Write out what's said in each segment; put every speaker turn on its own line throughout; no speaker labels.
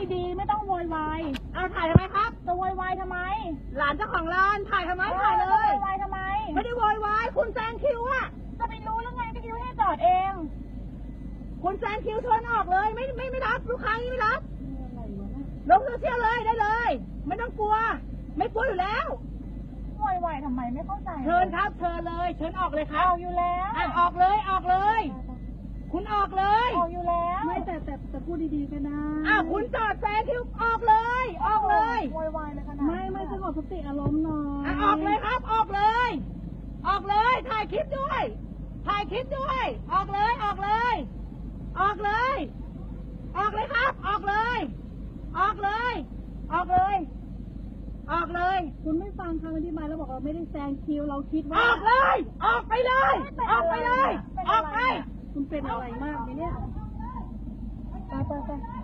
ดีๆไม่ต้องโวยวาย
เอาถ่ายทำไมครับ
จะโวยวายทำไม
หลานเจ้าของร้านถ่ายทำไมถ่ายเลย
โวยวายทำไม
ไม่ได้โวยวายคุณแซงคิวอะ
จะไปรู้แล้วไงก็คิวให้จอดเอง
คุณแซงคิวเชิญออกเลยไม่รับลูกค้าไม่รับลงโซเชียลเลยได้เลยไม่ต้องกลัวไม่กลัวอยู่แล้ว
โวยวายทำไมไม่เข้าใจ
เชิญครับเชิญเลยเชิญออกเลยครับ
ออกอยู่แล้ว
ออกเลยออกเลยคุณออกเลย
ออกอยู่แล้ว
ไม่แต่พูดดีๆก็ได้
คุณจอดแซงคิวออกเลยออกเลย
โวยวายเลยขนาด
ไม่สงบสติอารมณ์หน่อย
ออกเลยครับออกเลยออกเลยถ่ายคลิปด้วยถ่ายคลิปด้วยออกเลยออกเลยออกเลยออกเลยครับออกเลยออกเลยออกเลยออกเลย
คุณไม่ฟังคำอธิบายแล้วบอกเราไม่ได้แซงคิวเราคิดว่า
ออกเลยออกไปเลยออกไปเลยออกไป
คุณเป็นอะไรมากเนี่ยไป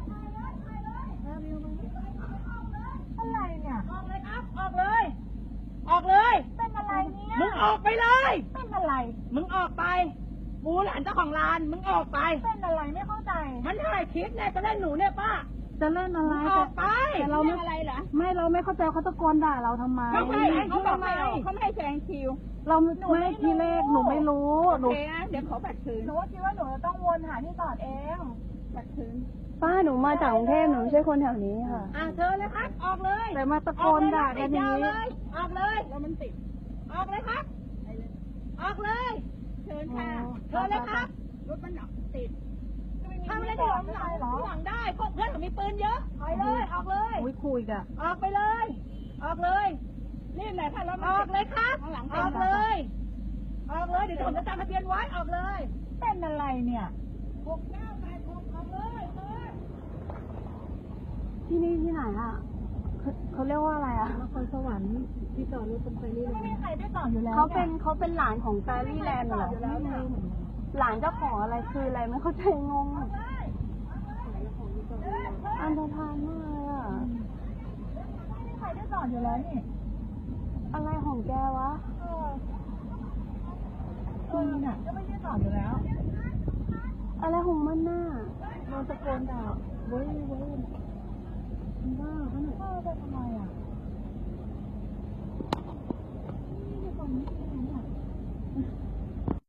อะไรเนี่ย
ออกเลยครับออกเลยออกเลย
เป็นอะไรเนี่ย
มึงออกไปเลย
เป็นอะไร
มึงออกไปกูหลานเจ้าของร้านมึงออกไป
เป็นอะไรไม่เข้าใจ
มันถ่ายคลิปเนี่ยจะเล่นหนูเนี่ยป้า
จะเล่นอะไร
ออกไป
แต่เราไม่อะไรเหรอไม่เราไม่เข้าใจเขาตะโกนด่าเราทำไม
เขาไม่ให้แซงคิว
เราไม่ทีแรกหนูไม่รู้
หนูเดี๋ยวขอบัตรคืน
หนูคิดว่าหนูจะต้องวนหาที่จอดเอง
บัตรคืน
ป้าหนูมาจากกรุงเทพหนูไม่ใช่คนแถวนี้ค่ะ
เชิญเลยครับออกเลย
แต่มาตะโกนด่ากันนี้
ออกเลยแล้วมันติดออกเลยครับออกเลยเชิญค่ะเชิญเลยครับรถมันติดทำอะไรที่หลังได้พวกเพื่อนผมมีปืนเยอะไปเลยออกเลย
คุยกัน
ออกไปเลยออกเลยนี่แหละถ้าเราออกเลยครับออกเลยออกเลยเดี๋ยวผมจะจำทะเบียนไว้ออกเลย
เป็นอะไรเนี่ย
6986ออกเลย
ที่นี่ที่ไหนอ่ะเขาเรียกว่าอะไรอ่ะนครสวรรค์ที่จอดรถตรงไฟรี่
ไม่มีใครได้จอดอยู่แล้ว
เขาเป็นหลานของไฟรี่แลนด์เหรอหลานเจ้าของอะไรคืออะไรไม่เข้าใจงงอันธพาลมากเลยอ่ะ
ไม่มีใครได้จอดอยู่แล้วนี่
อะไรของแกวะ
น่ะก็ไม่ได้จอดอยู่แล้ว
อะไรของมันน่ะโดนตะโกนด่าเว้ยบ้าเขาหนู
ไปทำไมอ่ะ